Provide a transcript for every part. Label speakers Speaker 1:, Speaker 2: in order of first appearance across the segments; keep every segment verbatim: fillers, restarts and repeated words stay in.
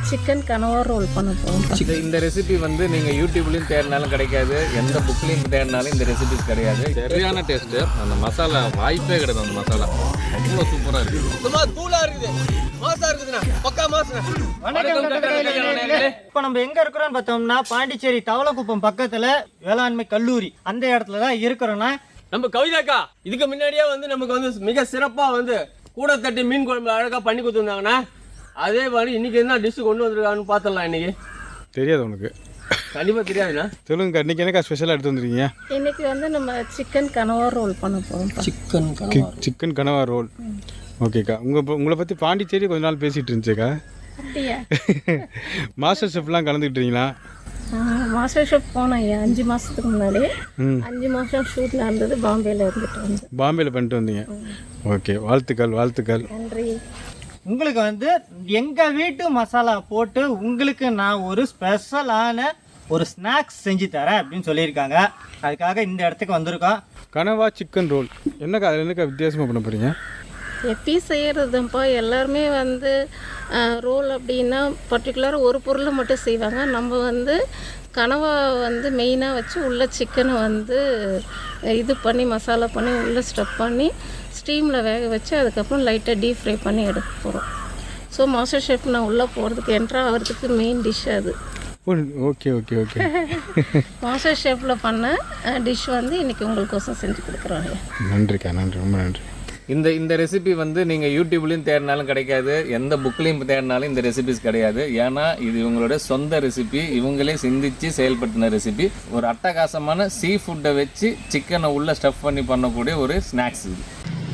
Speaker 1: Chicken கனவா roll பண்ண போகிறோம்.
Speaker 2: இந்த ரெசிபி வந்து நீங்கள் யூடியூப்லேயும் தேடினாலும் கிடைக்காது, எந்த புக்லேயும் தேடினாலும் இந்த ரெசிபிஸ் கிடையாது. சரியான டேஸ்ட்டு. அந்த மசாலா வாய்ப்பே கிடையாது. அந்த மசாலா அவ்வளோ சூப்பராக இருக்குது.
Speaker 3: சும்மா தூளாக இருக்குது, மாசா இருக்குதுண்ணா, பக்கா மாசா.
Speaker 4: இப்போ நம்ம எங்க இருக்கிறோம்னு பார்த்தோம்னா பாண்டிச்சேரி தவளக்குப்பம் பக்கத்துல வேளாண்மை கல்லூரி அந்த இடத்துல தான் இருக்கிறோம்னா
Speaker 3: நம்ம கவிதாக்கா இதுக்கு முன்னாடியே வந்து நமக்கு வந்து மிக சிறப்பாக வந்து கூட தட்டி மீன் குழம்பு அழகாக பண்ணி கொடுத்துருந்தாங்கண்ணா. அதே மாதிரி இன்னைக்கு என்ன டிஷ்ஷு கொண்டு வந்துருக்காங்கன்னு பார்த்துடலாம். இன்னைக்கு
Speaker 5: தெரியாது உனக்கு?
Speaker 3: கண்டிப்பாக தெரியாதுண்ணா.
Speaker 5: சொல்லுங்க, இன்னைக்கு என்னக்கா ஸ்பெஷலாக எடுத்து வந்துருக்கீங்க?
Speaker 1: இன்னைக்கு வந்து நம்ம சிக்கன் கனவா ரோல் பண்ண போகிறோம்.
Speaker 3: சிக்கன்
Speaker 5: சிக்கன் கனவா ரோல். ஓகேக்கா. உங்கள் உங்களை பற்றி பாண்டிச்சேரி கொஞ்ச நாள் பேசிகிட்டு இருந்துச்சுக்கா.
Speaker 1: அப்படியா?
Speaker 5: மாஸ்டர் ஷெஃப்லாம் கலந்துக்கிட்டீங்களா?
Speaker 1: மாஸ்டர் ஷெஃப் போனேன் ஐயா அஞ்சு மாதத்துக்கு முன்னாடி. அஞ்சு மாதம் ஷூட்டில் இருந்தது, பாம்பேயில் இருந்துட்டு வந்தேன்.
Speaker 5: பாம்பேயில் பண்ணிட்டு வந்தீங்க. ஓகே, வாழ்த்துக்கள் வாழ்த்துக்கள்.
Speaker 1: நன்றி.
Speaker 4: உங்களுக்கு வந்து எங்கள் வீட்டு மசாலா போட்டு உங்களுக்கு நான் ஒரு ஸ்பெஷலான ஒரு ஸ்நாக்ஸ் செஞ்சு தரேன் அப்படின்னு சொல்லியிருக்காங்க. அதுக்காக இந்த இடத்துக்கு வந்திருக்கோம்.
Speaker 5: கனவா சிக்கன் ரோல் என்னக்கா, அதில் என்னக்கா வித்தியாசமாக பண்ண போகிறீங்க?
Speaker 1: எப்பயும் செய்கிறதுப்பா எல்லாருமே வந்து ரோல் அப்படின்னா பர்டிகுலராக ஒரு பொருளை மட்டும் செய்வாங்க. நம்ம வந்து கனவா வந்து மெயினாக வச்சு உள்ளே சிக்கனை வந்து இது பண்ணி மசாலா பண்ணி உள்ளே ஸ்டஃப் பண்ணி ஸ்டீமில் வேக வச்சு அதுக்கப்புறம் லைட்டாக டீப் ஃப்ரை பண்ணி எடுக்க போகிறோம். ஸோ மாஸ்டர் ஷெஃப் நான் உள்ளே போகிறதுக்கு என்ட்ரா ஆகிறதுக்கு மெயின் டிஷ் அது.
Speaker 5: Okay okay okay.
Speaker 1: மாஸ்டர் ஷெஃப்பில் பண்ண டிஷ் வந்து இன்றைக்கி உங்களுக்கோசம் செஞ்சு கொடுக்குறோம்.
Speaker 5: நன்றிக்கா, நன்றி, ரொம்ப நன்றி.
Speaker 2: இந்த இந்த ரெசிபி வந்து நீங்கள் யூடியூப்லேயும் தேடினாலும் கிடைக்காது, எந்த புக்லேயும் தேடினாலும் இந்த ரெசிபிஸ் கிடையாது. ஏன்னா இது இவங்களோட சொந்த ரெசிபி, இவங்களே சிந்திச்சு செயல்படுத்தின ரெசிபி. ஒரு அட்டகாசமான சீ ஃபுட்டை வச்சு சிக்கனை உள்ளே ஸ்டஃப் பண்ணி பண்ணக்கூடிய ஒரு ஸ்நாக்ஸ் இது.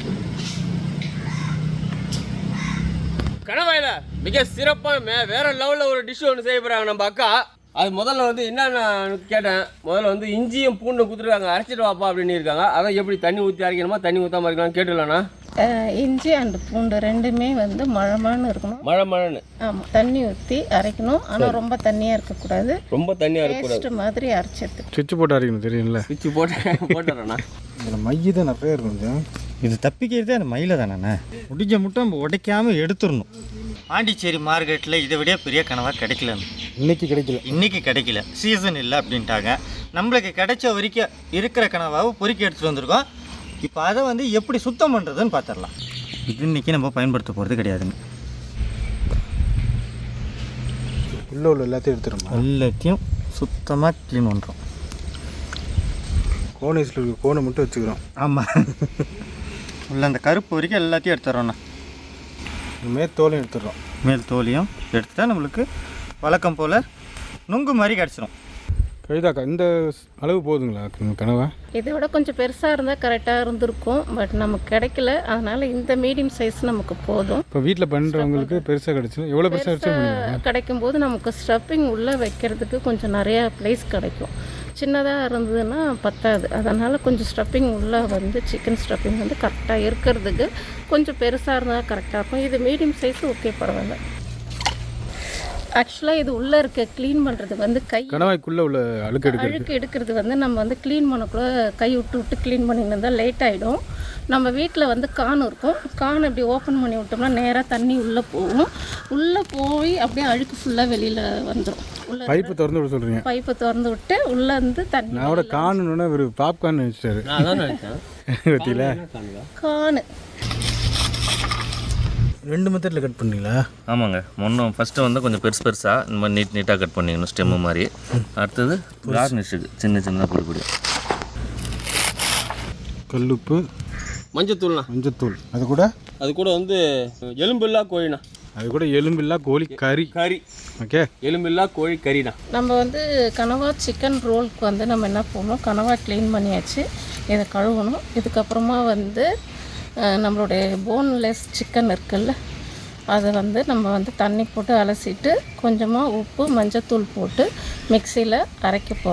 Speaker 3: கணவாயில் மிக சிறப்பான வேற லெவலில் ஒரு டிஷ் ஒன்று செய்ய போகிறாங்க நம்ம அக்கா. அது முதல்ல வந்து என்னன்னு கேட்டேன். முதல்ல வந்து இஞ்சியும் பூண்டும் கொடுத்துருக்காங்க, அரைச்சிட்டு வாப்பா அப்படின்னு இருக்காங்க. அதான் எப்படி தண்ணி ஊற்றி அரைக்கணுமா தண்ணி ஊற்றாமல் இருக்கலாம்னு கேட்டுலாண்ணா.
Speaker 1: இஞ்சி அண்ட் பூண்டு ரெண்டுமே வந்து மழமழன்னு இருக்கணும்.
Speaker 3: மழை மழைன்னு
Speaker 1: ஆமாம், தண்ணி ஊற்றி அரைக்கணும். ஆனால் ரொம்ப தண்ணியாக இருக்கக்கூடாது,
Speaker 3: ரொம்ப தண்ணியாக இருக்கக்கூடாது.
Speaker 1: பேஸ்ட் மாதிரி அரைச்சிட்டு
Speaker 5: சுவிட்ச் போட்டு அரைக்கணும், தெரியும்ல?
Speaker 3: சுவிட்ச் போட்டு போட்டுறேண்ணா.
Speaker 5: இதில் மைய தான் நிறைய இருக்கும். கொஞ்சம்
Speaker 4: இது தப்பிக்கிறதே அந்த மயில தானே. முடிஞ்ச மட்டும் நம்ம உடைக்காமல் எடுத்துடணும். பாண்டிச்சேரி மார்க்கெட்டில் இதை விட பெரிய கனவாக கிடைக்கலன்னு
Speaker 5: இன்னைக்கு கிடைக்கல.
Speaker 4: இன்றைக்கி கிடைக்கல, சீசன் இல்லை அப்படின்ட்டாங்க. நம்மளுக்கு கிடைச்ச வரைக்கும் இருக்கிற கனவாவை பொறுக்கி எடுத்துகிட்டு வந்திருக்கோம். இப்போ அதை வந்து எப்படி சுத்தம் பண்ணுறதுன்னு பார்த்துடலாம். இது இன்றைக்கி நம்ம பயன்படுத்த போகிறது கிடையாதுங்க.
Speaker 5: உள்ள உள்ள எல்லாத்தையும் எடுத்துருமா?
Speaker 4: எல்லாத்தையும் சுத்தமாக க்ளீன் பண்ணுறோம்.
Speaker 5: கோனைஸில் இருக்க கோனை மட்டும் வச்சுக்கிறோம்.
Speaker 4: ஆமாம், உள்ள அந்த கருப்பு வரைக்கும் எல்லாத்தையும் எடுத்துடுறோண்ணா.
Speaker 5: மேல் தோலையும் எடுத்துடுறோம்.
Speaker 4: மேல் தோலையும் எடுத்துட்டா நம்மளுக்கு வழக்கம் போல் நுங்கு மாதிரி கிடச்சிரும்.
Speaker 5: கவிதாக்கா, இந்த அளவு போதுங்களா கனவா?
Speaker 1: இதை விட கொஞ்சம் பெருசாக இருந்தால் கரெக்டாக இருந்திருக்கும். பட் நமக்கு கிடைக்கல, அதனால் இந்த மீடியம் சைஸ் நமக்கு போதும்.
Speaker 5: இப்போ வீட்டில் பண்ணுறவங்களுக்கு பெருசாக கிடச்சிடும். எவ்வளோ பெருசாக கிடச்சி
Speaker 1: கிடைக்கும் போது நமக்கு ஸ்டஃப்பிங் உள்ளே வைக்கிறதுக்கு கொஞ்சம் நிறையா ப்ளேஸ் கிடைக்கும். சின்னதாக இருந்ததுன்னா பத்தாது. அதனால் கொஞ்சம் ஸ்டஃப்பிங் உள்ளே வந்து சிக்கன் ஸ்டஃப்பிங் வந்து கரெக்டாக இருக்கிறதுக்கு கொஞ்சம் பெருசாக இருந்தால் கரெக்டாக இருக்கும். இது மீடியம் சைஸ் ஓகே, பரவாயில்ல. ஆக்சுவலாக இது உள்ளே இருக்க க்ளீன் பண்ணுறது வந்து கை
Speaker 5: கனவாய்க்குள்ளே உள்ள அழுக்கு எடுக்கிறது
Speaker 1: அழுக்கு எடுக்கிறது வந்து நம்ம வந்து க்ளீன் பண்ணக்குள்ள கை விட்டு விட்டு க்ளீன் பண்ணிட்டு இருந்தால் லேட் ஆகிடும். நம்ம வீட்டில் வந்து கான் இருக்கும், கான் இப்படி ஓப்பன் பண்ணி விட்டோம்னா நேராக தண்ணி உள்ளே போகும். உள்ளே போய் அப்படியே அழுக்கு ஃபுல்லாக வெளியில் வந்துடும். உள்ள
Speaker 5: பைப்பு திறந்து விட சொல்கிறீங்க?
Speaker 1: பைப்பை திறந்து விட்டு உள்ளே இருந்து தண்ணி.
Speaker 5: நான் கூட காணுன்னு ஒரு பாப்கார்ன் வச்சுட்டாரு.
Speaker 3: அதான் நினைச்சேன்.
Speaker 5: பற்றியில
Speaker 1: கான்
Speaker 5: ரெண்டு மெத்தடில் கட் பண்ணீங்களா?
Speaker 2: ஆமாங்க. முன்னும் ஃபஸ்ட்டு வந்து கொஞ்சம் பெருசு பெருசாக இந்த மாதிரி நீட் நீட்டாக கட் பண்ணிக்கணும், ஸ்டெம்மு மாதிரி. அடுத்தது கார்னிஷுக்கு சின்ன சின்னதாக பொடி பொடி.
Speaker 5: கல்லுப்பு,
Speaker 3: மஞ்சத்தூள்ண்ணா.
Speaker 5: மஞ்சத்தூள், அது கூட
Speaker 3: அது கூட வந்து எலும்பில்லா கோழிண்ணா.
Speaker 5: அது கூட எலும்பில்லா கோழி கறி.
Speaker 3: கறி
Speaker 5: ஓகே,
Speaker 3: எலும்பில்லா கோழி கறிண்ணா.
Speaker 1: நம்ம வந்து கனவா சிக்கன் ரோலுக்கு வந்து நம்ம என்ன பண்ணணும், கனவா க்ளீன் பண்ணியாச்சு, இதை கழுவணும். இதுக்கப்புறமா வந்து நம்மளுடைய போன்லெஸ் சிக்கன் இருக்குல்ல, அதை வந்து நம்ம வந்து தண்ணி போட்டு அலசிட்டு கொஞ்சமாக உப்பு மஞ்சத்தூள் போட்டு மிக்சியில் அரைக்க போகிறோம்.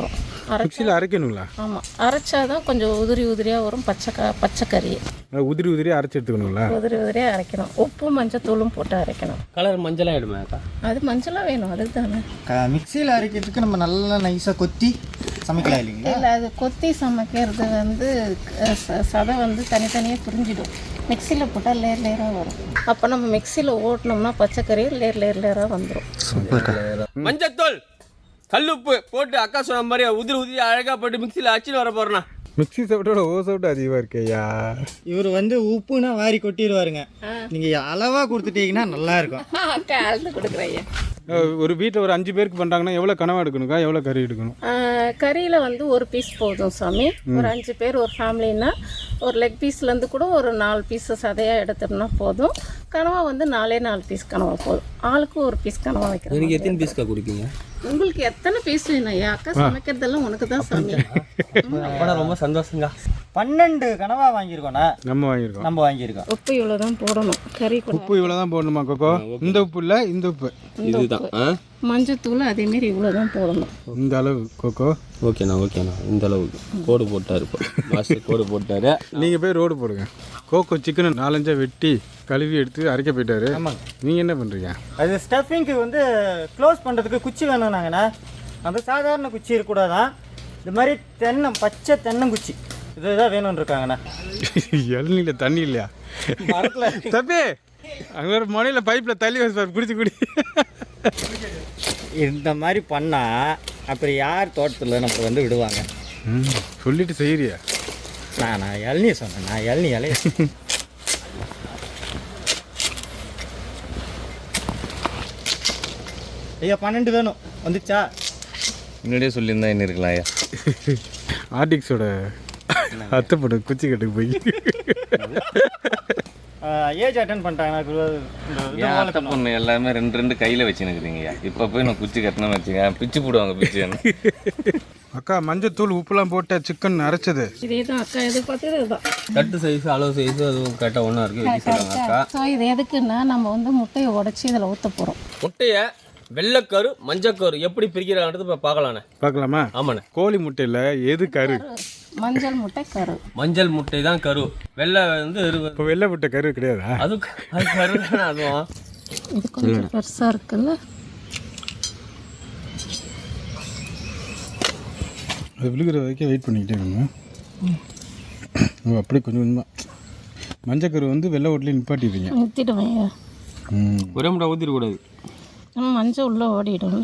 Speaker 5: மிக்சியில் அரைக்கணுங்களா?
Speaker 1: ஆமாம், அரைச்சாதான் கொஞ்சம் உதிரி உதிரியாக வரும். பச்சை க பச்சை கறி
Speaker 5: நல்லா உதிரி உதிரியாக அரைச்சி எடுத்துக்கணுங்களா?
Speaker 1: உதிரி உதிரியாக அரைக்கணும். உப்பு மஞ்சத்தூளும் போட்டு அரைக்கணும்.
Speaker 3: கலர் மஞ்சளாக ஆகிடுமே அக்கா.
Speaker 1: அது மஞ்சளாக வேணும், அதுக்கு தானே.
Speaker 4: க மிக்சியில் அரைக்கிறதுக்கு நம்ம நல்லா நைஸாக கொத்தி சமைக்கலாம் இல்லைங்களா?
Speaker 1: இல்லை, அது கொத்தி சமைக்கிறது வந்து அஹ், ச- சதை வந்து தனித்தனியாக பிரிஞ்சிடும். மிக்சியில் போட்டால் லேர் லேயராக வரும். அப்போ நம்ம மிக்சியில் ஓட்டினோம்னா பச்சைக்கறி லேர் லேர் லேயராக வந்துடும்.
Speaker 3: மஞ்சத்தூள் கல்லுப்பு போட்டு அக்கா சொன்ன மாதிரி உதிரி உதிரி அழகாக போட்டு மிக்சியில் அச்சுன்னு வர போகிறேண்ணா.
Speaker 5: மிக்சி சவுட்டோட ஓ சவுட்டு அதிகமாக இருக்கேயா.
Speaker 4: இவர் வந்து உப்புனா வாரி கொட்டிடுவாருங்க. நீங்கள் அளவாக கொடுத்துட்டீங்கன்னா நல்லா இருக்கும்.
Speaker 1: கலந்து கொடுக்குறேன்.
Speaker 5: ஒரு வீட்டில் ஒரு அஞ்சு பேருக்கு பண்ணுறாங்கன்னா எவ்வளோ கனவா எடுக்கணுக்கா, எவ்வளோ கறி எடுக்கணும்?
Speaker 1: கறியில் வந்து ஒரு பீஸ் போதும் சாமி. ஒரு அஞ்சு பேர் ஒரு ஃபேமிலின்னா ஒரு லெக் பீஸ்லேருந்து கூட ஒரு நாலு பீஸ் சதையாக எடுத்தோம்னா போதும். கனவா வந்து நாலே நாலு பீஸ் கனவா போதும். ஆளுக்கு ஒரு பீஸ் கனவா வைக்கிறோம்.
Speaker 3: எனக்கு எத்தனை பீஸ்க்கா கொடுப்பீங்க?
Speaker 1: உங்களுக்கு எத்தனை பீஸ் வேணும் ஐயா? அக்கா சமைக்கிறதெல்லாம் உனக்கு தான் சாமி.
Speaker 3: அப்போனா ரொம்ப சந்தோஷங்க.
Speaker 4: பன்னெண்டு கனவா வாங்கியிருக்கோண்ணா.
Speaker 5: நம்ம வாங்கியிருக்கோம்.
Speaker 4: நம்ம வாங்கியிருக்கோம்.
Speaker 1: உப்பு இவ்வளோ தான் போடணும். கறி கூட
Speaker 5: உப்பு இவ்வளோ தான் போடணுமா கோகோ? இந்த உப்பு இல்லை, இந்த உப்பு.
Speaker 3: இதுதான்.
Speaker 1: மஞ்சத்தூள் அதேமாரி இவ்வளோ தான் போடணும்.
Speaker 5: இந்த அளவு கோகோ.
Speaker 3: ஓகேண்ணா ஓகேண்ணா. இந்த அளவுக்கு கோடு போட்டார். இப்போ மாஸ்டர் கோடு போட்டார்.
Speaker 5: நீங்கள் போய் ரோடு போடுங்க. கோகோ சிக்கனை நாலஞ்சா வெட்டி கழுவி எடுத்து அரைக்க போயிட்டாரு.
Speaker 4: ஆமாங்க.
Speaker 5: நீங்கள் என்ன பண்ணுறீங்க?
Speaker 4: அது ஸ்டஃபிங்க்கு வந்து க்ளோஸ் பண்ணுறதுக்கு குச்சி வேணும்னாங்கண்ணா. அந்த சாதாரண குச்சி இருக்கக்கூடாதான். இது மாதிரி தென்னை பச்சை தென்னங்குச்சி இதுதான் வேணும்னு இருக்காங்கண்ணா.
Speaker 5: இளநீல தண்ணி இல்லையா?
Speaker 4: மரத்தில்
Speaker 5: தப்பே அங்கே ஒரு முனையில் பைப்பில் தள்ளி வச்சு குடிச்சு குடி.
Speaker 4: இந்த மாதிரி பண்ணால் அப்புறம் யார் தோட்டத்தில் நம்ம வந்து விடுவாங்க?
Speaker 5: ம் சொல்லிட்டு செய்கிறியா?
Speaker 4: நான் நான் இளநீ சொன்னேன். நான் இளநீ இலைய ஐயா பன்னெண்டு வேணும். வந்துச்சா?
Speaker 2: முன்னாடியே சொல்லியிருந்தா என்ன இருக்கலாம் ஐயா.
Speaker 5: ஆர்டிக்ஸோட அத்தைப்பட குச்சி கட்டுக்கு போய்
Speaker 4: ஏஜ் அட்டன் பண்ணிட்டாங்கண்ணா.
Speaker 2: ஏன் அத்தை பொண்ணு எல்லாமே ரெண்டு ரெண்டு கையில் வச்சுன்னுக்குறீங்கய்யா. இப்போ போய் நான் குச்சி கட்டினா வச்சுக்க பிச்சு போடுவாங்க பிச்சு.
Speaker 5: அக்கா மஞ்சத்தூள் உப்புலாம் போட்ட சிக்கன் அரைச்சது
Speaker 1: இதே தான் அக்கா எதிர்பார்த்தது இதுதான்.
Speaker 3: கட்டு சைஸ் அளவு சைஸ் அதுவும் கரெக்டாக ஒன்றா இருக்குது வைக்க சொல்லுவாங்க அக்கா.
Speaker 1: ஸோ இது எதுக்குன்னா நம்ம வந்து முட்டையை உடச்சி இதில் ஊற்ற போகிறோம்.
Speaker 3: முட்டையை வெள்ளைக்கரு மஞ்சக்கரு எப்படி பிரிக்கிறாங்கிறது இப்போ பார்க்கலாண்ணே.
Speaker 5: பார்க்கலாமா?
Speaker 3: ஆமாண்ணே.
Speaker 5: கோழி முட்டையில் எது கரு?
Speaker 1: மஞ்சள் முட்டை கரு.
Speaker 3: மஞ்சள் முட்டை தான் கரு. வெள்ளை வந்து இருக்கு.
Speaker 5: இப்போ வெள்ளை முட்டை கரு கிடையாதா?
Speaker 3: அது அது கரு தானே. அதுவும்
Speaker 1: இது கொஞ்சம் பெருசாக இருக்குல்ல.
Speaker 5: அது விழுகிற வரைக்கும் வெயிட் பண்ணிக்கிட்டே இருக்கணும். ஓ அப்படியே கொஞ்சம் கொஞ்சமாக மஞ்சக்கரு வந்து வெள்ளை ஓட்டிலே நிப்பாட்டிடுவீங்க.
Speaker 1: நிறுத்திடுவேன்.
Speaker 5: ம்
Speaker 3: ஒரே முட்டை ஊற்றிடக்கூடாது.
Speaker 1: நம்ம மஞ்சள் உள்ளே ஓடிடும்ல.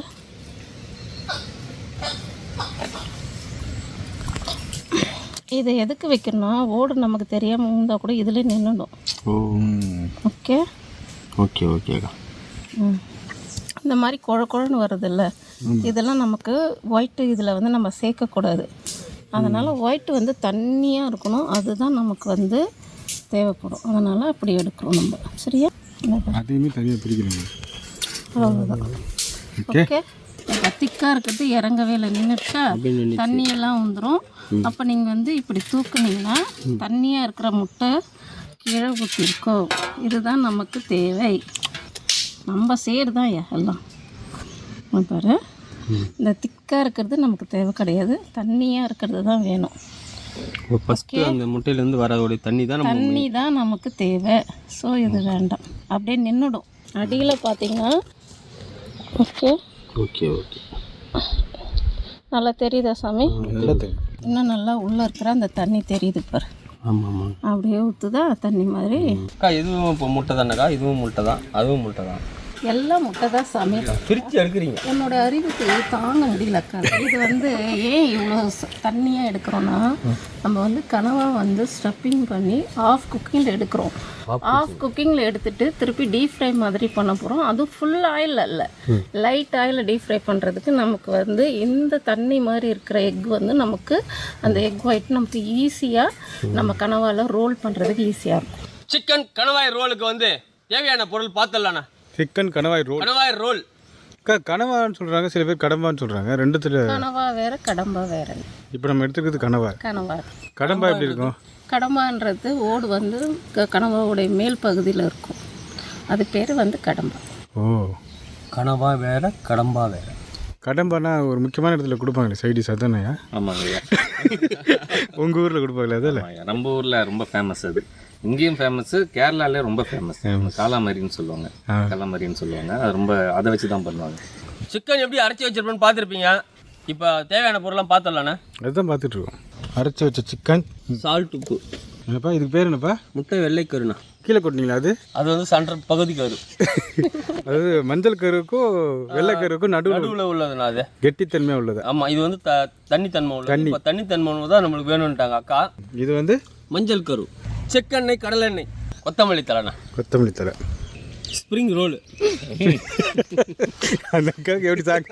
Speaker 1: இதை எதுக்கு வைக்கணும்னா ஓடு நமக்கு தெரியாமல் இருந்தால் கூட இதில் நின்றுடும்.
Speaker 3: ஓ
Speaker 1: ஓகே
Speaker 3: ஓகே ஓகேக்கா.
Speaker 1: ம் இந்த மாதிரி குழ குழன்னு வருதுல்ல, இதெல்லாம் நமக்கு ஒயிட்டு இதில் வந்து நம்ம சேர்க்கக்கூடாது. அதனால் ஒயிட்டு வந்து தண்ணியாக இருக்கணும். அதுதான் நமக்கு வந்து தேவைப்படும். அதனால் அப்படி எடுக்கிறோம் நம்ம. சரியா?
Speaker 5: அதையுமே தனியாக பிரிக்கிறீங்க.
Speaker 1: அவ்வளோதான். ஓகே. இப்போ திக்காக இருக்கிறது இறங்கவே இல்லை, நின்றுச்சா தண்ணியெல்லாம் வந்துடும். அப்போ நீங்கள் வந்து இப்படி தூக்குனீங்கன்னா தண்ணியாக இருக்கிற முட்டை கீழே ஊற்றிருக்கோம். இதுதான் நமக்கு தேவை. நம்ம சேர் தான் எல்லாம் பாரு. இந்த திக்காக இருக்கிறது நமக்கு தேவை கிடையாது, தண்ணியாக இருக்கிறது தான் வேணும்.
Speaker 3: ஃபஸ்ட்டு அந்த முட்டையிலேருந்து வரக்கூடிய தண்ணி தான் நம்ம
Speaker 1: தண்ணி தான் நமக்கு தேவை. ஸோ இது வேண்டாம், அப்படியே நின்றுடும். அடியில் பார்த்தீங்கன்னா ஓகே
Speaker 3: ஓகே ஓகே
Speaker 1: நல்லா தெரியுதா சாமி? இன்னும் நல்லா உள்ளே இருக்கிற அந்த தண்ணி தெரியுது பாரு.
Speaker 3: ஆமாம் ஆமாம்.
Speaker 1: அப்படியே ஊற்றுதா தண்ணி மாதிரி.
Speaker 3: அக்கா இதுவும் இப்போ முட்டை தானேக்கா? இதுவும் முட்டை தான், அதுவும் முட்டை தான்.
Speaker 1: எல்லாம் முட்டை தான் சாமி.
Speaker 3: பிரித்து எடுக்கிறீங்க.
Speaker 1: என்னோட அறிவுக்கு தாங்க முடியலக்கா. இது வந்து ஏன் இவ்வளோ தண்ணியாக எடுக்கிறோன்னா, நம்ம வந்து கனவா வந்து ஸ்டஃப்பிங் பண்ணி ஆஃப் குக்கிங்கில் எடுக்கிறோம். ஆஃப் குக்கிங்கில் எடுத்துட்டு திருப்பி டீப் ஃப்ரை மாதிரி பண்ண போகிறோம். அதுவும் ஃபுல் ஆயில் இல்லை, லைட் ஆயிலில் டீப் ஃப்ரை பண்ணுறதுக்கு நமக்கு வந்து இந்த தண்ணி மாதிரி இருக்கிற எக் வந்து நமக்கு அந்த எக் ஒயிட் நமக்கு ஈஸியாக நம்ம கனவாவில் ரோல் பண்ணுறதுக்கு ஈஸியாக இருக்கும்.
Speaker 3: சிக்கன் கணவாய் ரோலுக்கு வந்து தேவையான பொருள் பார்த்துடலாண்ணா.
Speaker 5: சிக்கன் கணவாய் ரோல்.
Speaker 3: கணவாய் ரோல்
Speaker 5: அக்கா கனவான்னு சொல்கிறாங்க, சில பேர் கடம்பான்னு சொல்கிறாங்க. ரெண்டுத்தில்
Speaker 1: கனவா வேறு கடம்பா வேறு.
Speaker 5: இப்போ நம்ம எடுத்துக்கிறது கனவா.
Speaker 1: கனவா
Speaker 5: கடம்பா எப்படி இருக்கும்?
Speaker 1: கடம்பான்றது ஓடு வந்து க கனவாவுடைய மேல் பகுதியில் இருக்கும். அது பேர் வந்து கடம்பா.
Speaker 5: ஓ
Speaker 3: கனவா வேற கடம்பா வேற.
Speaker 5: கடம்பானா ஒரு முக்கியமான இடத்துல கொடுப்பாங்களே சைடிஸ் அதானயா?
Speaker 2: ஆமாங்க ஐயா.
Speaker 5: உங்கள் ஊரில் கொடுப்பாங்களே அதில்?
Speaker 2: ஆமாங்க, நம்ம ஊரில் ரொம்ப ஃபேமஸ் அது. இங்கேயும் ஃபேமஸ்ஸு, கேரளாலே ரொம்ப ஃபேமஸ். காலாமரின்னு சொல்லுவாங்க, காலாமரின்னு சொல்லுவாங்க. அது ரொம்ப அதை வச்சு தான் பண்ணுவாங்க.
Speaker 3: சிக்கன் எப்படி அரைச்சி வச்சிருப்பேன்னு பார்த்துருப்பீங்க. இப்போ தேவையான பொருள்லாம் பார்த்துடலாண்ணே.
Speaker 5: அதுதான் பார்த்துட்ருக்கோம். அரைச்சி வச்ச சிக்கன்,
Speaker 3: சால்ட், உப்பு.
Speaker 5: என்னப்பா இதுக்கு பேர் என்னப்பா?
Speaker 3: முட்டை வெள்ளை கருண்ணா.
Speaker 5: கீழே கொட்டினீங்களா? அது
Speaker 3: அது வந்து சென்டர் பகுதி கரு.
Speaker 5: அதாவது மஞ்சள் கருவுக்கும் வெள்ளை கருவுக்கும் நடுவில்
Speaker 3: நடுவில் உள்ளதுண்ணா அது.
Speaker 5: கெட்டித்தன்மையாக உள்ளது.
Speaker 3: ஆமாம், இது வந்து த தண்ணித்தன்மை உள்ளது. இப்போ தண்ணித்தன்மை தான் நம்மளுக்கு வேணும்ட்டாங்க அக்கா.
Speaker 5: இது வந்து
Speaker 3: மஞ்சள் கரு, செக்கெண்ணெய், கடலெண்ணெய், கொத்தமல்லி தலைண்ணா,
Speaker 5: கொத்தமல்லி தலை,
Speaker 3: ஸ்ப்ரிங் ரோலு.
Speaker 5: அந்த அக்காவுக்கு எப்படி சாக்கு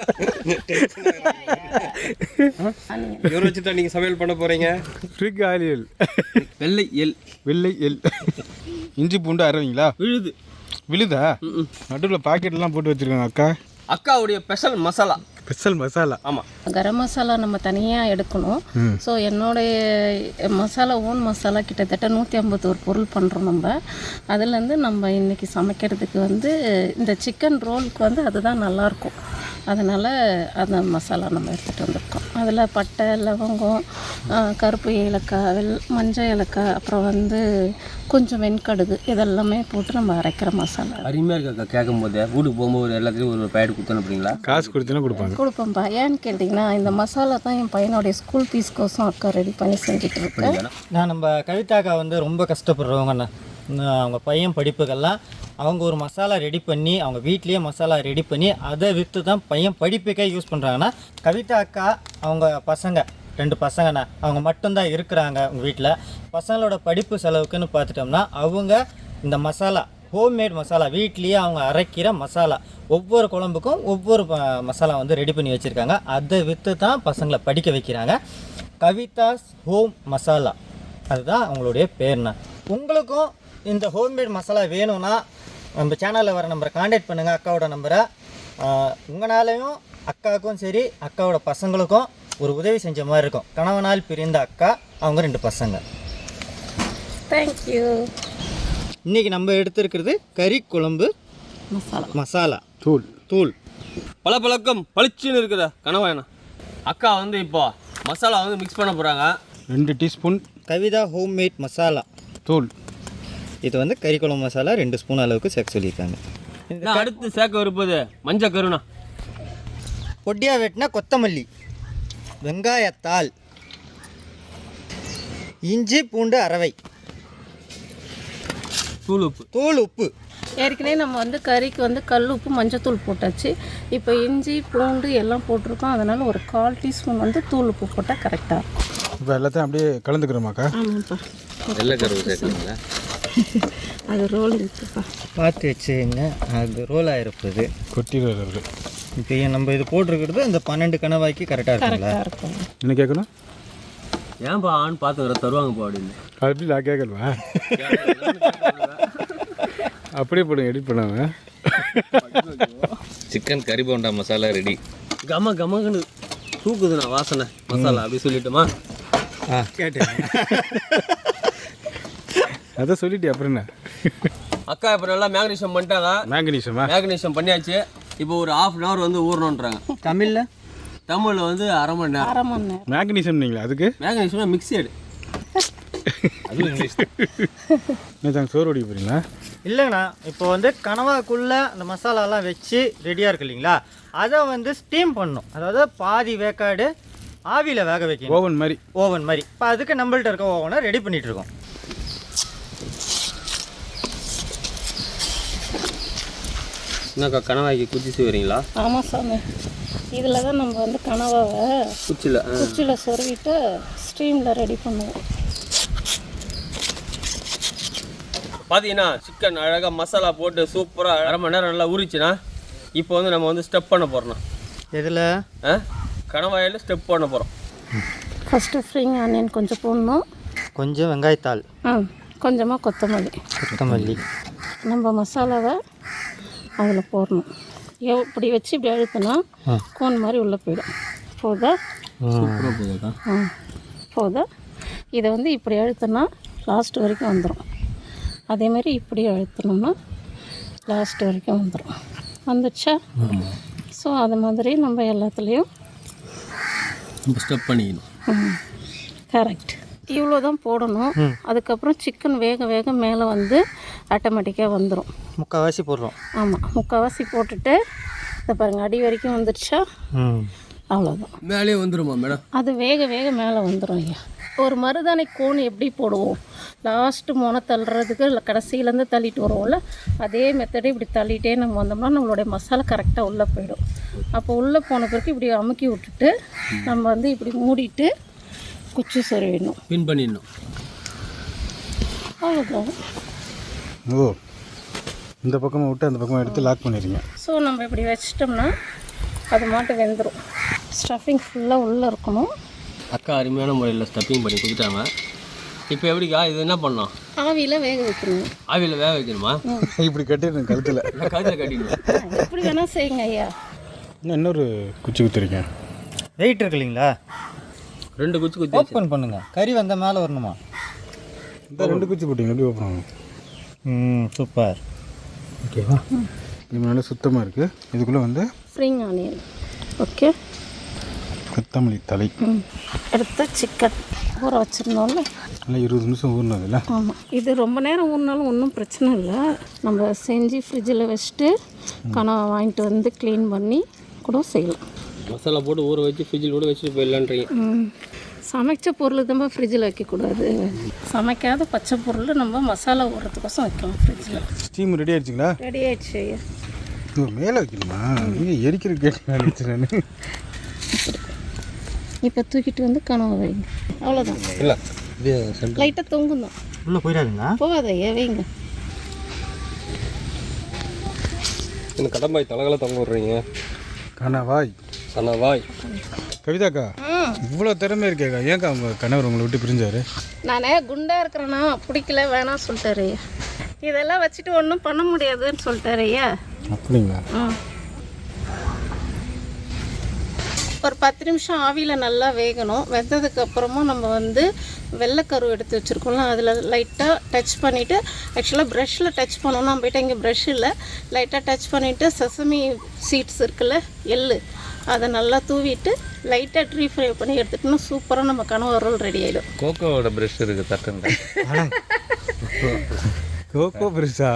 Speaker 3: இவரை வச்சுட்டா நீங்கள் சமையல் பண்ண போகிறீங்க.
Speaker 5: ஃப்ரிக் ஆலியல்,
Speaker 3: வெள்ளை எல்,
Speaker 5: வெள்ளை எல், இஞ்சி பூண்டு அரைவீங்களா?
Speaker 3: விழுது.
Speaker 5: விழுதா? நடுவில் பாக்கெட்லாம் போட்டு வச்சுருக்காங்க அக்கா.
Speaker 3: அக்காவுடைய ஸ்பெஷல் மசாலா.
Speaker 5: ஸ்பெஷல் மசாலா.
Speaker 3: ஆமாம்,
Speaker 1: கரம் மசாலா நம்ம தனியாக எடுக்கணும். ஸோ என்னுடைய மசாலா ஓன் மசாலா கிட்டத்தட்ட நூற்றி ஐம்பத்தோரு பொருள் பண்ணுறோம் நம்ம. அதுலேருந்து நம்ம இன்றைக்கி சமைக்கிறதுக்கு வந்து இந்த சிக்கன் ரோலுக்கு வந்து அதுதான் நல்லாயிருக்கும். அதனால் அந்த மசாலா நம்ம எடுத்துகிட்டு வந்திருக்கோம். அதில் பட்டை, லவங்கம், கருப்பு ஏலக்காய், வெள் மஞ்சள் ஏலக்காய், அப்புறம் வந்து கொஞ்சம் வெண்கடுகு, இதெல்லாமே போட்டு நம்ம அரைக்கிற மசாலா.
Speaker 3: அருமையாக இருக்கு அக்கா. கேட்கும் போதே வீட்டுக்கு போகும்போது எல்லாத்துலேயும் ஒரு பேடு கொடுத்தோன்னு அப்படிங்களா?
Speaker 5: காசு கொடுத்தீங்கன்னா கொடுப்பாங்க.
Speaker 1: கொடுப்போம்ப்பா. ஏன்னு கேட்டிங்கன்னா இந்த மசாலா தான் என் பையனுடைய ஸ்கூல் ஃபீஸ்க்கோசம் அக்கா ரெடி பண்ணி செஞ்சுட்டு இருக்கேன்.
Speaker 4: நான் நம்ம கவிதாக்கா வந்து ரொம்ப கஷ்டப்படுறவங்கண்ணா. அவங்க பையன் படிப்புக்கெல்லாம் அவங்க ஒரு மசாலா ரெடி பண்ணி அவங்க வீட்லேயே மசாலா ரெடி பண்ணி அதை விற்று தான் பையன் படிப்புக்கே யூஸ் பண்ணுறாங்கன்னா, கவிதா அக்கா அவங்க பசங்க ரெண்டு பசங்கண்ணா அவங்க மட்டும்தான் இருக்கிறாங்க உங்கள் வீட்டில். பசங்களோட படிப்பு செலவுக்குன்னு பார்த்துட்டோம்னா அவங்க இந்த மசாலா ஹோம்மேட் மசாலா வீட்லேயே அவங்க அரைக்கிற மசாலா ஒவ்வொரு குழம்புக்கும் ஒவ்வொரு மசாலா வந்து ரெடி பண்ணி வச்சுருக்காங்க. அதை விற்று தான் பசங்களை படிக்க வைக்கிறாங்க. கவிதாஸ் ஹோம் மசாலா அதுதான் அவங்களுடைய பேர்ண்ணா. உங்களுக்கும் இந்த ஹோம்மேட் மசாலா வேணும்னா நம்ம சேனலில் வர நம்பரை காண்டாக்ட் பண்ணுங்கள், அக்காவோட நம்பரை. உங்களாலையும் அக்காவுக்கும் சரி அக்காவோட பசங்களுக்கும் ஒரு உதவி செஞ்ச மாதிரி இருக்கும். கணவனால் பிரிந்த அக்கா, அவங்க ரெண்டு பசங்க.
Speaker 1: தேங்க்யூ.
Speaker 4: இன்றைக்கி நம்ம எடுத்துருக்கிறது கறி குழம்பு
Speaker 1: மசாலா
Speaker 4: மசாலா
Speaker 5: தூள்
Speaker 4: தூள்
Speaker 3: பல பழக்கம் பளிச்சுன்னு இருக்கிற கனவாயண்ணா. அக்கா வந்து இப்போ மசாலா வந்து மிக்ஸ் பண்ண போகிறாங்க.
Speaker 5: ரெண்டு டீஸ்பூன்
Speaker 4: கவிதா ஹோம்மேட் மசாலா
Speaker 5: தூள்.
Speaker 4: இது வந்து கறி குழம்பு மசாலா ரெண்டு ஸ்பூன் அளவுக்கு சேர்க்க சொல்லியிருக்காங்க.
Speaker 3: நான் அடுத்து சேர்க்க இருப்பது மஞ்சள் கருணா,
Speaker 4: பொடியாக வெட்டினா கொத்தமல்லி, வெங்காயத்தாள், இஞ்சி பூண்டு அரவை,
Speaker 3: தூள் உப்பு.
Speaker 4: தூள் உப்பு.
Speaker 1: ஏற்கனவே நம்ம வந்து கறிக்கு வந்து கல் உப்பு மஞ்சத்தூள் போட்டாச்சு. இப்போ இஞ்சி பூண்டு எல்லாம் போட்டிருக்கோம். அதனால் ஒரு கால் டீஸ்பூன் வந்து தூள் உப்பு போட்டால் கரெக்டாக இருக்கும்.
Speaker 5: இப்போ எல்லாத்தையும் அப்படியே கலந்துக்கிறோமாக்கா?
Speaker 1: ஆமாம்ப்பா.
Speaker 2: வெள்ளை கருவு சேர்க்குறீங்களா?
Speaker 1: அது ரோல் இருக்குப்பா.
Speaker 4: பார்த்து வச்சுங்க, அது ரோல் ஆகிருப்பது
Speaker 5: கொட்டிடுறது.
Speaker 4: இப்போ நம்ம இது போட்டிருக்கிறது அந்த பன்னெண்டு கணவாய்க்கு கரெக்டாக இருக்குங்களா?
Speaker 1: கரெக்டாக இருக்கும்.
Speaker 5: என்ன கேட்கணும்?
Speaker 3: ஏன்பா ஆண் பார்த்து தருவாங்கப்பா அப்படின்னு.
Speaker 5: அப்படி நான் கேட்கலவா? அப்படியே போடுங்க, எடிட் பண்ணாங்க.
Speaker 2: சிக்கன் கறி போண்டா மசாலா ரெடி.
Speaker 3: கம கமகன்னு தூக்குதுண்ணா வாசனை மசாலா. அப்படி சொல்லிட்டோமா?
Speaker 4: ஆ கேட்டேன்.
Speaker 5: அதான் சொல்லிட்டு அப்புறம் என்ன?
Speaker 3: அக்கா இப்போ நல்லா மேக்னீஷியம் பண்ணிட்டாங்க.
Speaker 5: மேங்கனீஷமா?
Speaker 3: மேக்னீஷியம் பண்ணியாச்சு. இப்போ ஒரு ஹாஃப் அன் ஹவர் வந்து ஊறணுன்றாங்க.
Speaker 4: தமிழில்
Speaker 3: தமிழில் வந்து அரை மணி நேரம்.
Speaker 1: அரை மணி நேரம்.
Speaker 5: மேங்கனீஷியம் நீங்களா அதுக்கு?
Speaker 3: Magnesium mixed.
Speaker 2: அதுவும் இங்கிலீஷ்.
Speaker 5: என்ன சோறு ஓடி போகிறீங்களா?
Speaker 4: இல்லைங்கண்ணா, இப்போ வந்து கனவாக்குள்ளே அந்த மசாலாலாம் வச்சு ரெடியாக இருக்கு இல்லைங்களா, அதை வந்து ஸ்டீம் பண்ணணும். அதாவது பாதி வேக்காடு ஆவியில் வேக வைக்கணும்,
Speaker 5: ஓவன் மாதிரி.
Speaker 4: ஓவன் மாதிரி. இப்போ அதுக்கு நம்மள்ட்ட இருக்க ஓவனை ரெடி பண்ணிகிட்ருக்கோம்.
Speaker 3: என்னக்கா கனவாய்க்கு குச்சி செய்வீங்களா?
Speaker 1: ஆமாம் சாமி. இதில் தான் நம்ம வந்து கனவாவை
Speaker 3: குச்சியில்
Speaker 1: குச்சியில் சொருவிட்டு ஸ்டீமில் ரெடி பண்ணுவோம்.
Speaker 3: பார்த்தீங்கன்னா சிக்கன் அழகாக மசாலா போட்டு சூப்பராக அரை மணி நேரம் நல்லா ஊறிச்சுன்னா இப்போ வந்து நம்ம வந்து ஸ்டெப் பண்ண போகிறோம்.
Speaker 4: எதில்?
Speaker 3: ஆ கனவாயில் ஸ்டெப் பண்ண போகிறோம்.
Speaker 1: ஃபஸ்ட்டு ஸ்ப்ரிங் ஆனியன் கொஞ்சம் போடணும்.
Speaker 4: கொஞ்சம் வெங்காயத்தாள்,
Speaker 1: ஆ கொஞ்சமாக கொத்தமல்லி.
Speaker 4: கொத்தமல்லி.
Speaker 1: நம்ம மசாலாவை அதில் போடணும். இப்படி வச்சு இப்படி அழுத்தினா கோன் மாதிரி உள்ளே போயிடும். போதா?
Speaker 3: சூப்பராக போகுதுக்கா.
Speaker 1: ஆ போதா? இதை வந்து இப்படி அழுத்தினா லாஸ்ட் வரைக்கும் வந்துடும். அதேமாதிரி இப்படி அழுத்தினோம்னா லாஸ்ட் வரைக்கும் வந்துடும். வந்துடுச்சா? ஸோ அது மாதிரி நம்ம எல்லாத்துலேயும்
Speaker 3: ஸ்டெப் பண்ணிக்கணும்.
Speaker 1: கரெக்ட். இவ்வளோ தான் போடணும். அதுக்கப்புறம் சிக்கன் வேக வேக மேலே வந்து ஆட்டோமேட்டிக்காக வந்துடும்.
Speaker 4: முக்கால்வாசி போடுறோம்.
Speaker 1: ஆமாம், முக்கால்வாசி போட்டுட்டு இதை பாருங்கள் அடி வரைக்கும் வந்துடுச்சா, அவ்வளோதான்.
Speaker 3: மேலே வந்துடுமா மேடம்?
Speaker 1: அது வேக வேக மேலே வந்துடும் ஐயா. ஒரு மருதாணி கோன் எப்படி போடுவோம், லாஸ்ட்டு முனை தள்ளுறதுக்கு இல்லை கடைசியிலேருந்து தள்ளிட்டு வருவோம்ல, அதே மெத்தடே இப்படி தள்ளிட்டே நம்ம வந்தோம்னா நம்மளுடைய மசாலா கரெக்டாக உள்ளே போயிடும். அப்போ உள்ளே போன பிறகு இப்படி அமுக்கி விட்டுட்டு நம்ம வந்து இப்படி மூடிட்டு குச்சி சொருவிடணும்,
Speaker 3: பின் பண்ணிடணும்.
Speaker 1: அவ்வளோதான்.
Speaker 5: ஓ, இந்த பக்கமாக விட்டு அந்த பக்கமாக எடுத்து லாக் பண்ணிடுங்க.
Speaker 1: ஸோ நம்ம இப்படி வச்சிட்டோம்னா அது மாட்டு வெந்துடும். ஸ்டஃபிங் ஃபுல்லாக உள்ளே இருக்கணும்.
Speaker 3: அக்கா அருமையான முறையில் ஸ்டப்பிங் பண்ணி கொடுத்துட்டாங்க. இப்போ எப்படிக்கா இது என்ன பண்ணோம்?
Speaker 1: ஆவியில் வேக வைக்கணும்.
Speaker 3: ஆவியில் வேக வைக்கணுமா?
Speaker 5: இப்படி கட்டிடுங்க கழுத்தில்.
Speaker 3: இல்லை கழுத்தில் கட்டிடணும்.
Speaker 1: எப்படி வேணால் செய்யுங்க ஐயா.
Speaker 5: இன்னும் இன்னொரு குச்சி குத்துறீங்க.
Speaker 4: வெயிட் இருக்கு இல்லைங்களா,
Speaker 3: ரெண்டு குச்சி குத்தி
Speaker 4: ஓப்பன் பண்ணுங்க. கறி வந்த மேலே வரணுமா?
Speaker 5: இந்த ரெண்டு குச்சி போட்டிங்க எப்படி ஓப்பன் ஆகும்?
Speaker 4: ம், சூப்பர்.
Speaker 5: ஓகேவா? இது நல்லா சுத்தமாக இருக்குது. இதுக்குள்ளே வந்து
Speaker 1: ஸ்ப்ரிங் ஆனியன், ஓகே,
Speaker 5: கொத்தமல்லி தலை,
Speaker 1: எடுத்து சிக்கன் ஊற வச்சுருந்தோம்ல,
Speaker 5: நல்லா இருபது நிமிஷம் ஊறினது இல்லை?
Speaker 1: ஆமாம். இது ரொம்ப நேரம் ஊறினாலும் ஒன்றும் பிரச்சனை இல்லை. நம்ம செஞ்சு ஃப்ரிட்ஜில் வச்சுட்டு கனவை வாங்கிட்டு வந்து க்ளீன் பண்ணி கூட செய்யலாம்.
Speaker 3: மசாலா போட்டு ஊற வச்சு ஃப்ரிட்ஜில் கூட வச்சுட்டு போயிடலான்றீங்க.
Speaker 1: சமைச்ச பொருள் தான் ஃப்ரிட்ஜில் வைக்கக்கூடாது. சமைக்காத பச்சை பொருள் நம்ம மசாலா ஊறுறதுக்கோசம் வைக்கலாம் ஃப்ரிட்ஜில்.
Speaker 5: Steam ready ஆயிடுச்சுங்களா?
Speaker 1: ரெடி ஆயிடுச்சு ஐயா.
Speaker 5: இது மேலே வைக்கணுமா? நீங்கள் எரிக்கிற கேட்டு நினச்சி நான்.
Speaker 1: இப்போ தூக்கிட்டு வந்து கனவை வைங்க, அவ்வளோதான்.
Speaker 3: இல்லை
Speaker 1: லைட்டாக தொங்கும் தான்,
Speaker 4: உள்ளே போயிடாதுங்களா?
Speaker 1: போகாத ஐயா, வைங்க.
Speaker 3: இந்த கடம்பாய் தலைகளை தொங்க விட்றீங்க.
Speaker 5: கனவாய்
Speaker 3: கனவாய்.
Speaker 5: கவிதாக்கா, இவ்வளோ திறமை இருக்கேக்கா, ஏன்க்கா உங்கள் கணவர் உங்களை விட்டு பிரிஞ்சாரு?
Speaker 1: நானே குண்டாக இருக்கிறேன்னா பிடிக்கல வேணாம் சொல்லிட்டாரு ஐயா. இதெல்லாம் வச்சுட்டு ஒன்றும் பண்ண முடியாதுன்னு சொல்லிட்டாரு ஐயா.
Speaker 5: அப்படிங்களா?
Speaker 1: ம், ஒரு பத்து நிமிஷம் ஆவியில் நல்லா வேகணும். வெந்ததுக்கப்புறமா நம்ம வந்து வெள்ளைக்கரு எடுத்து வச்சுருக்கோம்ல, அதில் லைட்டாக டச் பண்ணிவிட்டு, ஆக்சுவலாக ப்ரஷ்ஷில் டச் பண்ணணும். நம்ம போய்ட்டு இங்கே ப்ரஷ் இல்லை, லைட்டாக டச் பண்ணிவிட்டு செசமி சீட்ஸ் இருக்குல்ல, எள்ளு, அதை நல்லா தூவிட்டு லைட்டாக ட்ரீ ஃப்ரை பண்ணி எடுத்துட்டோம்னா சூப்பராக நம்ம கனவா ரோல் ரெடி ஆகிடும்.
Speaker 2: கோகோவோட ப்ரஷ் இருக்குது தட்டுங்க.
Speaker 5: கோகோ பிரிஷா?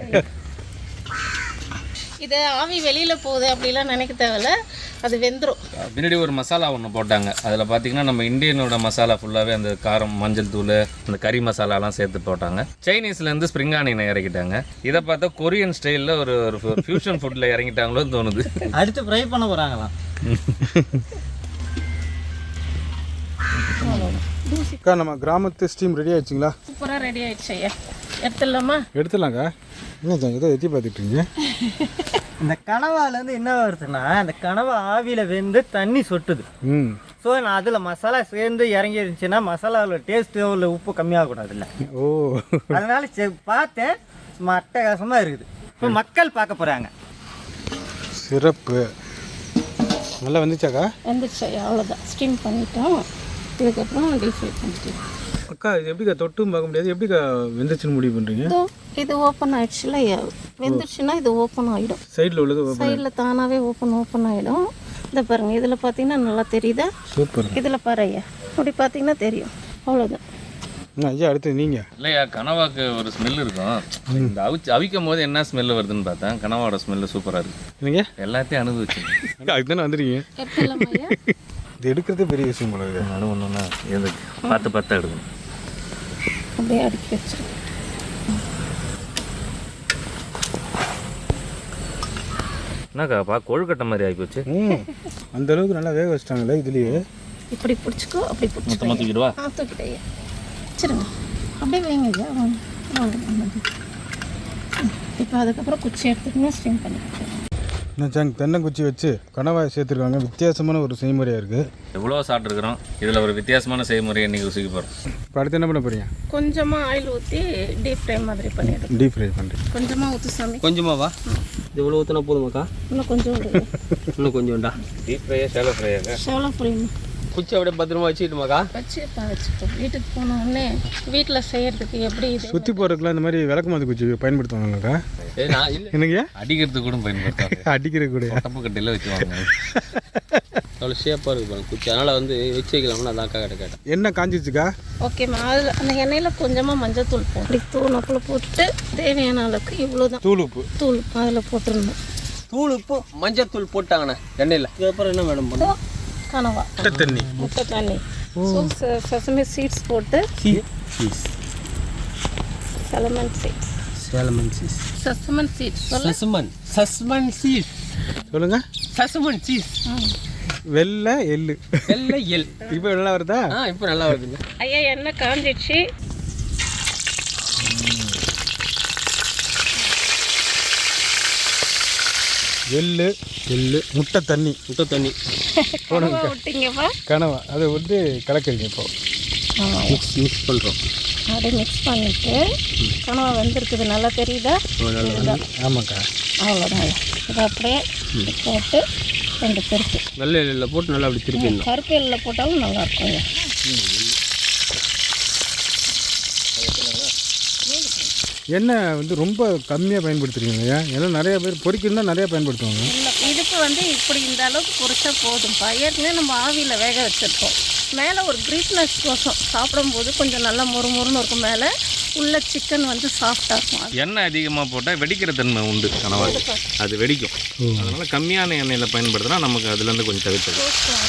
Speaker 1: இது ஆவி வெளியில் போகுது அப்படிலாம் நினைக்க தேவையில்ல, அது வெந்துடும்.
Speaker 2: பின்னாடி ஒரு மசாலா ஒன்று போட்டாங்க. அதில் பார்த்தீங்கன்னா நம்ம இந்தியனோட மசாலா ஃபுல்லாகவே அந்த காரம், மஞ்சள் தூள், அந்த கறி மசாலாலாம் சேர்த்து போட்டாங்க. சைனீஸ்லேருந்து ஸ்ப்ரிங் ஆனியனை இறக்கிட்டாங்க. இதை பார்த்தா கொரியன் ஸ்டைலில் ஒரு ஒரு ஃபியூஷன் ஃபுட்டில் இறங்கிட்டாங்களோன்னு தோணுது.
Speaker 4: அடுத்து ஃப்ரை பண்ண போகிறாங்களாம்.
Speaker 5: அக்கா, நம்ம கிராமத்து ஸ்டீம் ரெடி ஆயிடுச்சுங்களா?
Speaker 1: சூப்பராக ரெடி ஆகிடுச்சு ஐயா. எடுத்துடலாமா?
Speaker 5: எடுத்துடலாங்க. என்ன ஏதோ எத்தி பார்த்துட்ருங்க.
Speaker 4: இந்த கனவாலேருந்து என்ன வருதுன்னா, அந்த கனவா ஆவியில் வெந்து தண்ணி சொட்டுது.
Speaker 5: ம்.
Speaker 4: ஸோ நான் அதில் மசாலா சேர்ந்து இறங்கி இருந்துச்சுன்னா மசாலாவில் டேஸ்ட்டோ இல்லை உப்பு கம்மியாகக்கூடாதுல்ல.
Speaker 5: ஓ,
Speaker 4: அதனால சரி பார்த்தேன், சும்மா அட்டகாசமாக இருக்குது. இப்போ மக்கள் பார்க்க போகிறாங்க.
Speaker 5: சிறப்பு. நல்லா வந்துச்சாக்கா?
Speaker 1: வந்துடுச்சு ஐயா, அவ்வளோதான். ஸ்டீம் பண்ணிட்டோம். இதுக்கப்புறம் டீப் ஃப்ரை பண்ணிட்டோம்.
Speaker 5: அக்கா, இது எப்படிக்கா தொட்டும் பார்க்க முடியாது, எப்படிக்கா வெந்துச்சுன்னு முடிவு பண்ணுறீங்க?
Speaker 1: இதோ இது ஓப்பன் ஆயிடுச்சுல ஐயா, வெந்துடுச்சுன்னா இது ஓப்பன் ஆகிடும்.
Speaker 5: சைடில் உள்ளது
Speaker 1: சைடில் தானாகவே ஓப்பன் ஓப்பன் ஆகிடும். இதை பாருங்கள், இதில் பார்த்தீங்கன்னா நல்லா தெரியுதா?
Speaker 5: சூப்பர்.
Speaker 1: இதில் பாரு ஐயா, அப்படி பார்த்தீங்கன்னா தெரியும். அவ்வளோதான்.
Speaker 5: ஐயா, அடுத்து நீங்கள்.
Speaker 2: இல்லையா, கனவாக்கு ஒரு ஸ்மெல் இருக்கும். இந்த அவிச்சு அவிக்கும் போது என்ன ஸ்மெல் வருதுன்னு பார்த்தேன். கனவாவோட ஸ்மெல்லு சூப்பராக இருக்குது.
Speaker 5: நீங்கள்
Speaker 2: எல்லாத்தையும் அனுபவிச்சு
Speaker 5: அதுக்கு தானே வந்துருக்கீங்க.
Speaker 1: எடுத்துடலாமா ஐயா?
Speaker 5: இது எடுக்கிறதே பெரிய விஷயம் போல இருக்குது.
Speaker 2: நடு ஒன்றுன்னா எதுக்கு பார்த்து பார்த்து எடுக்கணும்.
Speaker 1: அப்படியே அடுக்கி வச்சிருக்கேன்.
Speaker 2: என்னக்கா பா கொழுக்கட்டை மாதிரி ஆகிப்போச்சு.
Speaker 5: ம், அந்த அளவுக்கு நல்லா வேக வச்சிட்டாங்களே இதுலேயே.
Speaker 1: இப்படி பிடிச்சிக்கோ, அப்படி பிடிச்சிக்கோ.
Speaker 2: மொத்தமாக தூக்கிடுவா.
Speaker 1: ஆ, தூக்கிட்டே வச்சுருங்க. அப்படியே வைங்க ஐயா. இப்போ அதுக்கப்புறம் குச்சி எடுத்துக்கினா ஸ்டீம் பண்ணிக்கலாம்.
Speaker 5: என்னச்சாங்க, தென்னங்குச்சி வச்சு கனவாய் சேர்த்துருக்காங்க. வித்தியாசமான ஒரு செய்முறையாக இருக்குது.
Speaker 2: எவ்வளோ சாப்பிட்ருக்குறோம். இதில் ஒரு வித்தியாசமான செய்முறையை இன்றைக்கி ருசிக்க போகிறோம்.
Speaker 5: இப்போ அடுத்து என்ன பண்ண போகிறீங்க?
Speaker 1: கொஞ்சமாக ஆயில் ஊற்றி டீப் ஃப்ரை மாதிரி பண்ணிவிடும்.
Speaker 5: டீப் ஃப்ரை பண்ணுறேன்.
Speaker 1: கொஞ்சமாக ஊற்றி சாமி.
Speaker 3: கொஞ்சமாவா? இது இவ்வளோ ஊற்றினா போதுமாக்கா?
Speaker 1: இன்னும் கொஞ்சம் விடுங்க.
Speaker 3: இன்னும் கொஞ்சம்டா.
Speaker 2: டீப் ஃப்ரையா ஷாலோ ஃப்ரையாங்க?
Speaker 1: Shallow fry.
Speaker 3: குச்சி அப்படியே பத்திரமா வச்சுக்கிட்டுமாக்கா?
Speaker 1: வச்சுப்பா வச்சுப்போம். வீட்டுக்கு போன உடனே வீட்டில் செய்கிறதுக்கு எப்படி இது
Speaker 5: சுற்றி போகிறதுக்குலாம் இந்த மாதிரி விளக்குமாத்து குச்சி பயன்படுத்துவாங்கக்கா?
Speaker 3: ஏ நான் இல்லை
Speaker 5: என்னங்கய்யா?
Speaker 2: அடிக்கிறதுக்கு கூட பயன்படுத்தாங்க.
Speaker 5: அடிக்கிற கூட
Speaker 2: தப்பு கட்டையில் வச்சுவாங்க.
Speaker 3: அவ்வளோ ஷேப்பாக இருக்குது பாருங்க குச்சி. அதனால் வந்து வச்சு வைக்கலாம்னு அதான் அக்கா கிட்ட கேட்டேன்.
Speaker 5: என்ன காஞ்சிச்சுக்கா?
Speaker 1: ஓகேம்மா. அதில் அந்த எண்ணெயில் கொஞ்சமாக மஞ்சள் தூள் போடும். இப்படி தூள் அப்பில் போட்டுட்டு தேவையான அளவுக்கு இவ்வளோ தான்
Speaker 5: தூள் உப்பு
Speaker 1: தூள் அதில் போட்டுருந்தோம்.
Speaker 3: தூள் உப்பு மஞ்சள் தூள் போட்டாங்கண்ணே எண்ணெயில். இதுக்கப்புறம் என்ன மேடம் பண்ணும்?
Speaker 1: கனவா
Speaker 5: முட்டை தண்ணி
Speaker 1: முட்டை தண்ணி சசமி சீட்ஸ் போட்டு
Speaker 3: சீஸ்
Speaker 1: சலமன் சீட்ஸ்
Speaker 3: சேலமன் சீஸ்
Speaker 1: சசமன் சீட்ஸ் சொல்ல
Speaker 3: சசுமன் சசுமன் சீஸ்
Speaker 5: சொல்லுங்க.
Speaker 3: சசுமன் சீஸ்
Speaker 5: வெள்ளை எள்ளு
Speaker 3: எல்லை எல்.
Speaker 5: இப்போ நல்லா வருதா?
Speaker 3: ஆ இப்போ நல்லா வருதுங்க.
Speaker 1: ஐயா எண்ணெய் காஞ்சிடுச்சு.
Speaker 5: எள்ளு எள்ளு முட்டை தண்ணி
Speaker 3: முட்டை தண்ணி
Speaker 1: கனவா விட்டீங்கப்பா.
Speaker 5: கனவா அதை வந்து கலக்குறீங்க இப்போ.
Speaker 3: மிக்ஸ் மிக்ஸ் பண்ணுறோம்.
Speaker 1: அப்படியே மிக்ஸ் பண்ணிவிட்டு கனவா வெந்திருக்குது நல்லா தெரியுதா? இதுதான்.
Speaker 5: ஆமாக்கா.
Speaker 1: அவ்வளோதான். இதை அப்படியே போட்டு ரெண்டு பெருக்கு
Speaker 3: நல்ல எல்லில் போட்டு நல்லா அப்படி திருப்பிடணும்.
Speaker 1: கருப்பு எல்லில் போட்டாலும் நல்லாயிருக்கும் ஐயா.
Speaker 5: எண்ணெய் வந்து ரொம்ப கம்மியாக பயன்படுத்துறீங்க இல்லையா? ஏன்னா நிறைய பேர் பொரிக்கணும் தான் நிறையா பயன்படுத்துவாங்க.
Speaker 1: இல்லை இதுக்கு வந்து இப்படி இந்த அளவுக்கு பொரிச்சா போதும்ப்பா. ஏற்கனவே நம்ம ஆவியில் வேக வச்சுருக்கோம். மேலே ஒரு கிரீஸ்னஸ் கோசம் சாப்பிடும்போது கொஞ்சம் நல்லா மொறு மொறுன்னு இருக்கும். மேலே உள்ள சிக்கன் வந்து சாஃப்டாக இருக்கும்.
Speaker 2: எண்ணெய் அதிகமாக போட்டால் வெடிக்கிற தன்மை உண்டு கனவா. அது வெடிக்கும். அதனால் கம்மியான எண்ணெயில் பயன்படுத்தினா நமக்கு அதுலேருந்து கொஞ்சம் தவிர்த்து.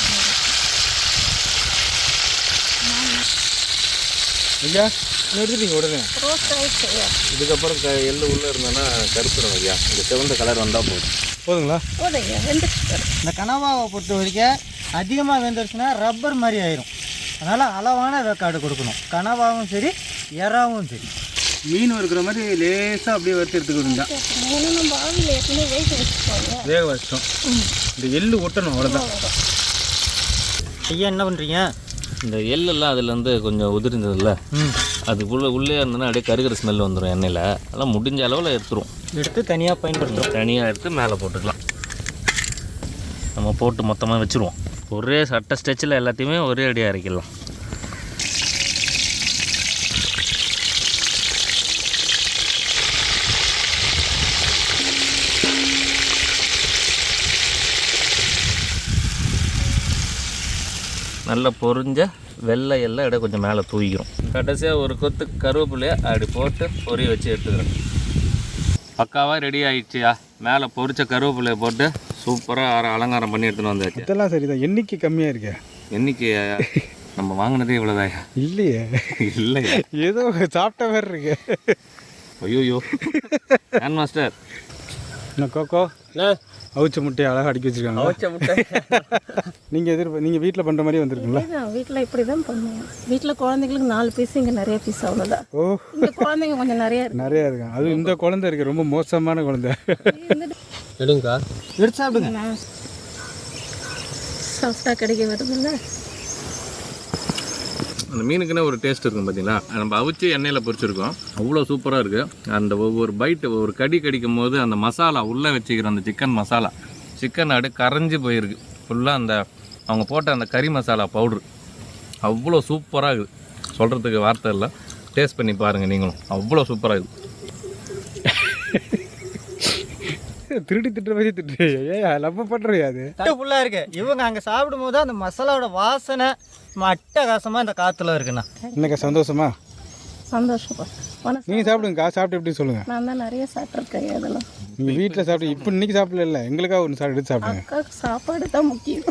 Speaker 5: ஐயா எடுத்துட்டீங்க உடனே.
Speaker 1: ரோஸ்ட் ஆகிடுச்சு ஐயா.
Speaker 2: இதுக்கப்புறம் க எள்ளு உள்ளே இருந்தோன்னா கருத்துடும் ஐயா. இந்த சிவந்த கலர் வந்தால் போதும்.
Speaker 5: போதுங்களா?
Speaker 1: போதும் ஐயா. வெந்துச்சு.
Speaker 4: இந்த கனவாவை பொறுத்த வரைக்கும் அதிகமாக வெந்துருச்சுன்னா ரப்பர் மாதிரி ஆயிரும். அதனால் அளவான வேக்காடு கொடுக்கணும். கனவாவும் சரி எறாவும் சரி.
Speaker 5: மீன் இருக்கிற மாதிரி லேசாக அப்படியே வறுத்து எடுத்துக்கிட்டு
Speaker 1: ஏன்னா நம்ம ஆவியில் ஏற்கனவே வேக வச்சுக்கோங்க.
Speaker 5: வேக வச்சிட்டோம். இந்த எள்ளு ஒட்டணும் அவ்வளோதான்.
Speaker 4: ஐயா என்ன பண்ணுறீங்க?
Speaker 2: இந்த எள்ளெல்லாம் அதுலேருந்து கொஞ்சம் உதிர்ந்ததில்ல, அதுக்குள்ளே உள்ளே இருந்ததுன்னா அப்படியே கருகிற ஸ்மெல் வந்துடும் எண்ணெயில். அதெல்லாம் முடிஞ்ச அளவில் எடுத்துரும்.
Speaker 4: எடுத்து தனியாக பயன்படுத்துகிறோம்.
Speaker 2: தனியாக எடுத்து மேலே போட்டுக்கலாம். நம்ம போட்டு மொத்தமாக வச்சுருவோம். ஒரே சட்ட ஸ்டெச்சில் எல்லாத்தையுமே ஒரே அடியாக அரைக்கலாம். நல்லா பொரிஞ்ச வெள்ளை எல்லாம் இடம் கொஞ்சம் மேலே தூக்கிக்கிறோம். கடைசியாக ஒரு கொத்து கருவேப்பிலையை அப்படி போட்டு பொரிய வச்சு எடுத்துக்கிறேன். பக்காவாக ரெடி ஆகிடுச்சியா. மேலே பொரிச்ச கருவேப்பிலையை போட்டு சூப்பராக அலங்காரம் பண்ணி எடுத்துன்னு வந்தாச்சு.
Speaker 5: இதெல்லாம் சரிதான். எண்ணிக்கை கம்மியாக இருக்கே.
Speaker 2: என்னைக்கு நம்ம வாங்கினதே இவ்வளோதாயா?
Speaker 5: இல்லையே.
Speaker 2: இல்லையா?
Speaker 5: ஏதோ சாப்பிட்ட மாதிரி இருக்கு.
Speaker 2: ஐயோயோ ஹேண்ட் மாஸ்டர்.
Speaker 5: என்ன கோகோ அவிச்ச முட்டையை அழகாக அடிக்க வச்சுருக்காங்க.
Speaker 3: அவிச்ச முட்டை
Speaker 5: நீங்கள் எதிர்ப்பு நீங்கள் வீட்டில் பண்ணுற மாதிரி வந்திருக்குங்களா?
Speaker 1: வீட்டில் இப்படி தான் பண்ணுவோம். வீட்டில் குழந்தைங்களுக்கு நாலு பீஸ், இங்கே நிறைய பீஸ் அவ்வளோதான்.
Speaker 5: ஓ
Speaker 1: இந்த குழந்தைங்க கொஞ்சம் நிறையா இருக்கு.
Speaker 5: நிறையா இருக்காங்க. அதுவும் இந்த குழந்தை இருக்கு, ரொம்ப மோசமான குழந்தை.
Speaker 3: எடுங்கக்கா.
Speaker 4: எடுத்து சாப்பிடுங்க.
Speaker 1: சாஃப்டாக கிடைக்க வருதுல்ல.
Speaker 2: அந்த மீனுக்குன்னே ஒரு டேஸ்ட் இருக்கும் பார்த்தீங்களா? நம்ம அவிச்சு எண்ணெயில் பொரிச்சிருக்கோம். அவ்வளோ சூப்பராக இருக்குது. அந்த ஒவ்வொரு பைட்டு ஒவ்வொரு கடி கடிக்கும் போது அந்த மசாலா உள்ளே வச்சுக்கிற அந்த சிக்கன் மசாலா சிக்கன் அப்படியே கரைஞ்சி போயிருக்கு ஃபுல்லாக. அந்த அவங்க போட்ட அந்த கறி மசாலா பவுட்ரு அவ்வளோ சூப்பராக இருக்குது. சொல்கிறதுக்கு வார்த்தை இல்லை. டேஸ்ட் பண்ணி பாருங்கள் நீங்களும். அவ்வளோ சூப்பராக இருக்குது.
Speaker 5: திருடி திட்டுற மாதிரி திட்டு. ஏ நம்ம பண்ணுறியா? அது
Speaker 4: ஃபுல்லாக இருக்கு. இவங்க அங்கே சாப்பிடும் போது அந்த மசாலாவோட வாசனை அட்டகாசமாக இந்த காற்றுல இருக்குண்ணா.
Speaker 5: என்னக்கா சந்தோஷமா?
Speaker 1: சந்தோஷப்பா.
Speaker 5: நீங்கள் சாப்பிடுங்கக்கா. சாப்பிட்டு எப்படி சொல்லுங்கள்.
Speaker 1: நான் தான் நிறைய சாப்பிட்ருக்கேன். அதெல்லாம்
Speaker 5: நீங்கள் வீட்டில் சாப்பிட்டு இப்போ இன்றைக்கி சாப்பிடல இல்லை, எங்களுக்காக ஒன்று சாப்பிட்டு எடுத்து சாப்பிடுங்க.
Speaker 1: அக்காவுக்கு சாப்பாடு தான் முக்கியம்.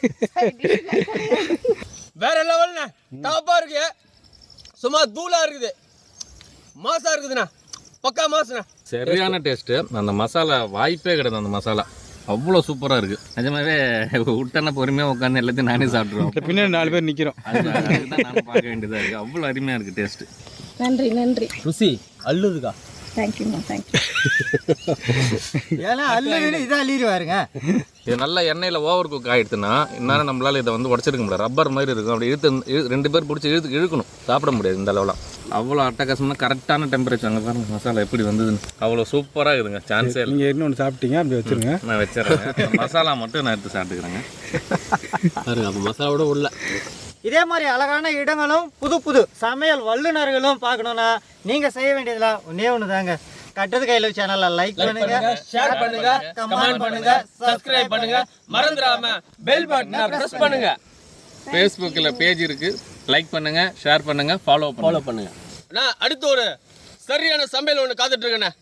Speaker 3: வேற லெவல்ண்ணே. டாப்பாக இருக்கு. சும்மா தூளாக இருக்குது. மாசாக இருக்குதுண்ணா. பக்கா மாசுண்ணா.
Speaker 2: சரியான டேஸ்ட்டு. அந்த மசாலா வாய்ப்பே கிடையாது. அந்த மசாலா அவ்வளோ சூப்பராக இருக்குது. நிஜமாவே விட்டனா பொறுமையாக உட்காந்து எல்லாத்தையும் நானே சாப்பிட்ருவோம்.
Speaker 5: பின்னாடி நாலு பேர் நிற்கிறோம்.
Speaker 2: அதுதான் நானும் பார்க்க வேண்டியதாக இருக்குது. அவ்வளோ அருமையாக இருக்குது டேஸ்ட்டு.
Speaker 1: நன்றி நன்றி.
Speaker 3: ருசி அள்ளுதுக்கா.
Speaker 6: தேங்க்யூம்மா தேங்க்யூ.
Speaker 4: ஏன்னா அல்லுன்னு இதான் அள்ளிடுவாருங்க.
Speaker 2: இது நல்லா எண்ணெயில் ஓவர் குக் ஆகிடுச்சுன்னா இந்நேரம் நம்மளால் இதை வந்து உடச்சிருக்க முடியாது. ரப்பர் மாதிரி இருக்கும். அப்படி இழுத்து இழு- ரெண்டு பேர் பிடிச்சி இழுத்து இழுக்கணும். சாப்பிட முடியாது இந்த அளவுலாம். அவ்வளோ அட்டகாசம்னா கரெக்டான டெம்பரேச்சர். அங்கே பாருங்க மசாலா எப்படி வந்ததுன்னு. அவ்வளோ சூப்பராக இருக்குதுங்க. சான்ஸே இல்லை.
Speaker 5: நீங்கள் இன்னொன்று சாப்பிட்டீங்க அப்படி வச்சுருங்க.
Speaker 2: நான் வச்சிடறேன். மசாலா மட்டும் நான் எடுத்து சாப்பிட்டுக்கிறேங்க.
Speaker 3: பாருங்க அப்போ மசாலாவோட உள்ள
Speaker 4: இதே மாதிரி அழகான இடங்களும் புது புது சமையல் வல்லுநர்களும் பார்க்கணுன்னா நீங்கள் செய்ய வேண்டியதெல்லாம் ஒன்றே ஒன்று தாங்க. கட்டது கையில் சேனலை லைக் பண்ணுங்க,
Speaker 3: ஷேர் பண்ணுங்க, கமெண்ட் பண்ணுங்க, சப்ஸ்கிரைப் பண்ணுங்க, மறந்துடாம பெல் பட்டனை பிரஸ் பண்ணுங்க.
Speaker 2: ஃபேஸ்புக்கில் பேஜ் இருக்குது. லைக் பண்ணுங்கள், ஷேர் பண்ணுங்கள், ஃபாலோ
Speaker 3: ஃபாலோ பண்ணுங்க. நான் அடுத்து ஒரு சரியான சமையல் ஒன்று காத்துட்டு இருக்கேண்ணே.